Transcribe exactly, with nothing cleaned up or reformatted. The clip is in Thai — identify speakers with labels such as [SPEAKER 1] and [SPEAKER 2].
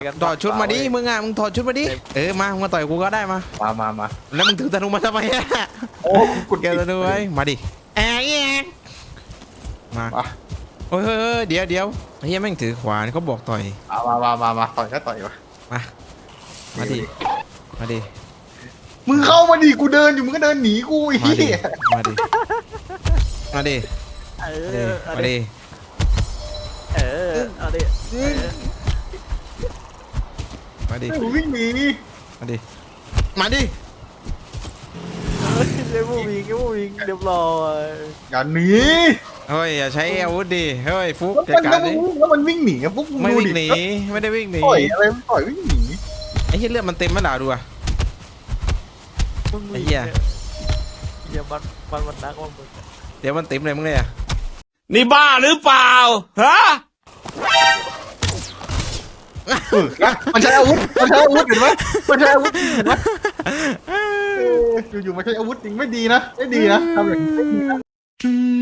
[SPEAKER 1] ถอดชุดมาดิมึงอ่ะมึงถอดชุดมาดิเออมามึงมาต่อยกูก็ได้มา
[SPEAKER 2] มามามา
[SPEAKER 1] แล้วมึงถือธนูมาทำไมอ่ะ
[SPEAKER 2] โอ้กุด
[SPEAKER 1] แกธนูไว้มาดิแอะแอะมาโอ้ยเดี๋ยวเดี๋ยวเฮียแม่งถือขวานเขาบอกต่อย
[SPEAKER 2] มามามามาต่อยก็ต่อยมา
[SPEAKER 1] มามาดิมาดิ
[SPEAKER 2] มึงเข้ามาดิกูเดินอยู่มึงก็เดินหนีกูอีก
[SPEAKER 1] มาดิมาดิมาดิ
[SPEAKER 3] เออเอาดิ
[SPEAKER 1] มาดิ
[SPEAKER 2] วิ่งหนี
[SPEAKER 1] มาดิมาดิ
[SPEAKER 3] เรียกผู้วิงเรียกผู้วิงเรียบร้อย
[SPEAKER 2] อย่าหนี
[SPEAKER 1] เฮ้ยอย่าใช้อาวุธดิเฮ้ยฟุกจัด
[SPEAKER 2] แล้ว
[SPEAKER 1] การดิ
[SPEAKER 2] แล้วมันวิ่งหนีฟุก
[SPEAKER 1] ไม่วิ่งหนีไม่ได้วิ่งหนี
[SPEAKER 2] ต่อยอะไรต่อยวิ่งหนี
[SPEAKER 1] ไอ้เหี้ยเลือดมันเต็มไหมล่ะดูอ่ะไอ้เหี้ย
[SPEAKER 3] เดี๋ยวมันมันมันนักมันมึง
[SPEAKER 1] เดี๋ยวมันเต็มเลยมึงเลยอ่ะ
[SPEAKER 4] นี่บ้าหรือเปล่าฮะ
[SPEAKER 2] มันใช้อาวุธมันใช้อาวุธเห็นไหมมันใช้อาวุธเห็นไหมอยู่ๆมันใช้อาวุธจริงไม่ดีนะไม่ดีนะทำอย่างนี้ไม่ดีนะ